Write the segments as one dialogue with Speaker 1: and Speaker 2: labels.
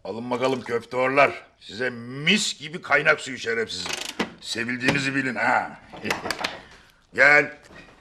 Speaker 1: Alın bakalım köfteorlar. Size mis gibi kaynak suyu şerefsizim. Sevildiğinizi bilin ha. Gel.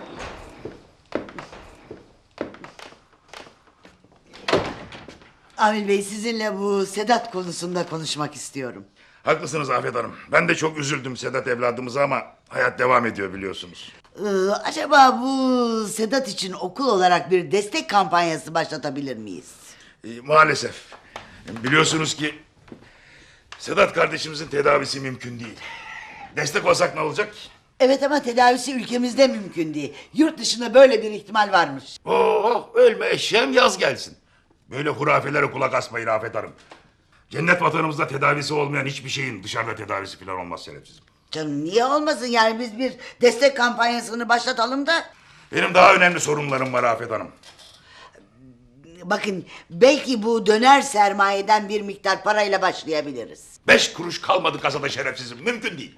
Speaker 2: Amil Bey, sizinle bu Sedat konusunda konuşmak istiyorum.
Speaker 1: Haklısınız Afet Hanım. Ben de çok üzüldüm Sedat evladımıza ama hayat devam ediyor biliyorsunuz.
Speaker 2: Acaba bu Sedat için okul olarak bir destek kampanyası başlatabilir miyiz?
Speaker 1: Maalesef. Biliyorsunuz ki Sedat kardeşimizin tedavisi mümkün değil. Destek olsak ne olacak?
Speaker 2: Evet, ama tedavisi ülkemizde mümkün değil. Yurt dışında böyle bir ihtimal varmış.
Speaker 1: Oh, ölme eşeğim yaz gelsin. Böyle hurafelere kulak asmayın Afet Hanım. Cennet vatanımızda tedavisi olmayan hiçbir şeyin dışarıda tedavisi falan olmaz şerefsizim.
Speaker 2: Canım, niye olmasın, yani biz bir destek kampanyasını başlatalım da.
Speaker 1: Benim daha önemli sorunlarım var Afet Hanım.
Speaker 2: Bakın, belki bu döner sermayeden bir miktar parayla başlayabiliriz.
Speaker 1: 5 kuruş kalmadı kasada şerefsizim. Mümkün değil.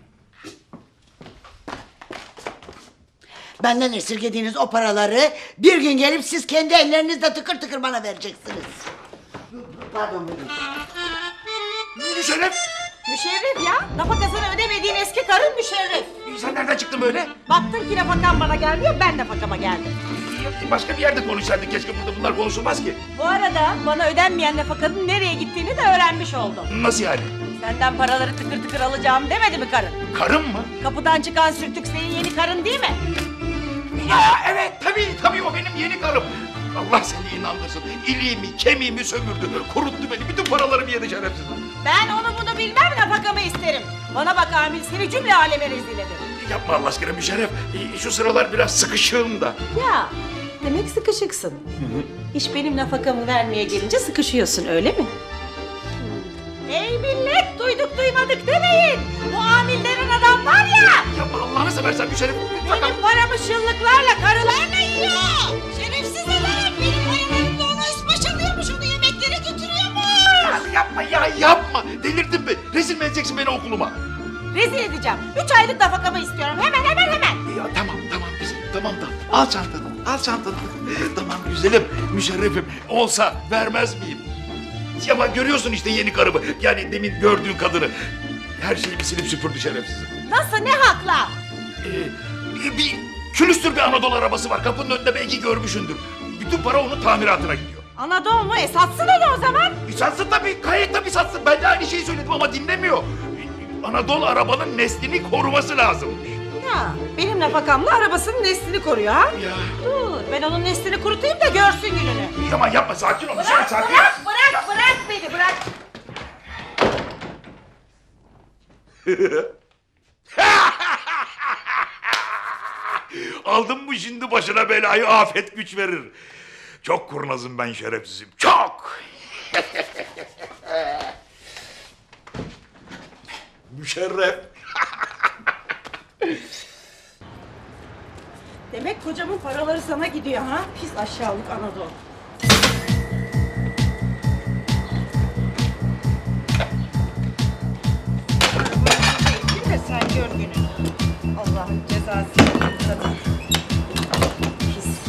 Speaker 2: Benden esirgediğiniz o paraları bir gün gelip siz kendi ellerinizle tıkır tıkır bana vereceksiniz. Pardon, buyurun.
Speaker 1: Müşerref!
Speaker 3: Müşerref ya. Nafakasını ödemediğin eski karın Müşerref.
Speaker 1: Sen nereden çıktın böyle?
Speaker 3: Baktım ki nafakan bana gelmiyor, ben nafakama geldim.
Speaker 1: Başka bir yerde konuşsaydık. Keşke burada bunlar konuşulmaz ki.
Speaker 3: Bu arada bana ödenmeyen nafakanın nereye gittiğini de öğrenmiş oldum.
Speaker 1: Nasıl yani?
Speaker 3: Senden paraları tıkır tıkır alacağım demedi mi karın?
Speaker 1: Karım mı?
Speaker 3: Kapıdan çıkan sürtük senin yeni karın değil mi?
Speaker 1: Ya evet tabii o benim yeni karım. Allah seni inandırsın. İliğimi, kemiğimi sömürdü. Kuruttu beni. Bütün paralarımı yedi şerefsiz.
Speaker 3: Ben onu bunu bilmem, nafakamı isterim. Bana bak Amil, seni cümle aleme rezil ederim.
Speaker 1: Yapma Allah aşkına Müşerref. Şu sıralar biraz sıkışığım da.
Speaker 3: Ya demek sıkışıksın. İş benim nafakamı vermeye gelince sıkışıyorsun, öyle mi? Ey millet, duyduk duymadık demeyin. Bu Amil denen adam var ya.
Speaker 1: Yapma Allah'ını seversen Müşerref.
Speaker 3: Benim paramı şıllıklarla, karılarla yiyor. Şerefsiz adam, benim paralarımla onu ıspaşalıyormuş, onu yemeklere götürüyormuş.
Speaker 1: Yapma. Delirdin mi? Rezil mi edeceksin beni okuluma?
Speaker 3: Rezil edeceğim. 3 aylık nafakamı istiyorum. Hemen.
Speaker 1: Ya tamam kızım. Tamam da. Al çantanı. Tamam güzelim. Müşerrefim. Olsa vermez miyim? Ama görüyorsun işte yeni karımı. Yani demin gördüğün kadını. Her şeyi bir silip süpürdü şerefsizim.
Speaker 3: Nasıl, ne hakla?
Speaker 1: Bir külüstür bir Anadolu arabası var. Kapının önünde belki görmüşsündür. Bütün para onun tamiratına gidiyor.
Speaker 3: Anadolu mu? Satsın onu o zaman.
Speaker 1: Satsın tabii. Gayet tabii satsın. Ben de aynı şeyi söyledim ama dinlemiyor. Anadolu arabanın neslini koruması lazım.
Speaker 3: Ya benim nafakamla arabasının neslini koruyor ha?
Speaker 1: Ya.
Speaker 3: Dur, ben onun neslini kurutayım da görsün gününü.
Speaker 1: Ama yapma sakin ol. Sakin ol.
Speaker 3: Bırak beni, bırak.
Speaker 1: Aldın mı şimdi başına belayı, afet güç verir. Çok kurnazım ben şerefsizim. Çok. Müşerref.
Speaker 3: Demek kocamın paraları sana gidiyor ha? Pis aşağılık Anadolu. Değil mi sen, gör gününü. Allah'ın cezası. Pis.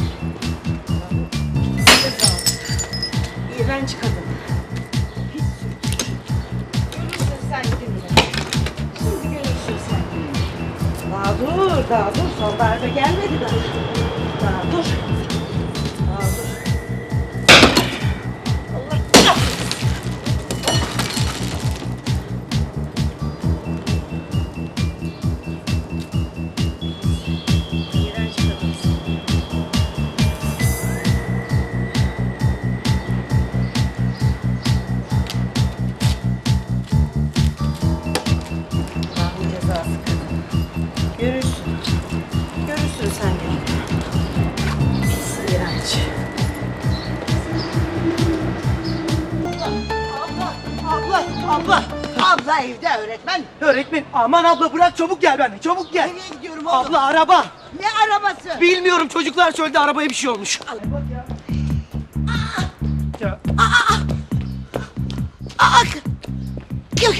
Speaker 3: Pis ceza. İğrenç kadın. Pis sürtük. Görürsün sen gününü. Şimdi görürsün sen gününü. Daha dur. Son darbe gelmedi daha. Daha dur. Allah kahretsin. İğrenç kadınsın. Allah'ın cezası kadın. Görürsün sen gününü. Pis iğrenç.
Speaker 2: Abla evde, öğretmen.
Speaker 4: Öğretmen aman abla bırak, çabuk gel benimle, çabuk gel.
Speaker 2: Nereye gidiyorum oğlum?
Speaker 4: Abla araba.
Speaker 2: Ne arabası?
Speaker 4: Bilmiyorum, çocuklar söyledi arabaya bir şey olmuş. Ya.
Speaker 2: Aa, kim?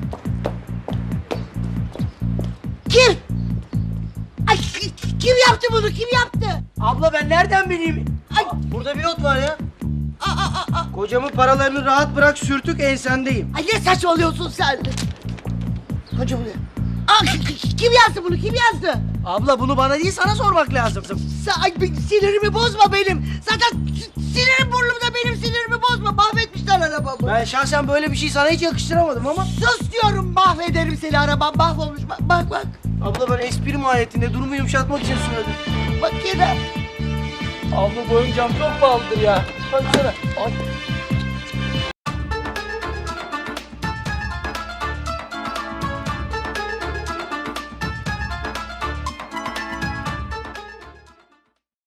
Speaker 2: Kim? Ay, kim yaptı bunu? Kim yaptı?
Speaker 4: Abla ben nereden bileyim?
Speaker 2: Ay.
Speaker 4: Burada bir not var ya.
Speaker 2: Aa,
Speaker 4: Kocamın paralarını rahat bırak, sürtük ensendeyim.
Speaker 2: Ay ne saçmalıyorsun sen? Hocam bu ne? Aa, kim yazdı bunu? Kim yazdı?
Speaker 4: Abla bunu bana değil sana sormak lazım.
Speaker 2: Ay, sinirimi bozma benim. Zaten sinirim burnumda, benim sinirimi bozma. Mahvetmişler arabamı.
Speaker 4: Ben şahsen böyle bir şey sana hiç yakıştıramadım ama.
Speaker 2: Sus diyorum, mahvederim seni, arabam mahvolmuş. Bak bak.
Speaker 4: Abla ben espri mahiyetinde durumu yumuşatmak için söyledim.
Speaker 2: Bak yine.
Speaker 4: Abla bu oyuncağım çok pahalıdır ya. Baksana. Ay.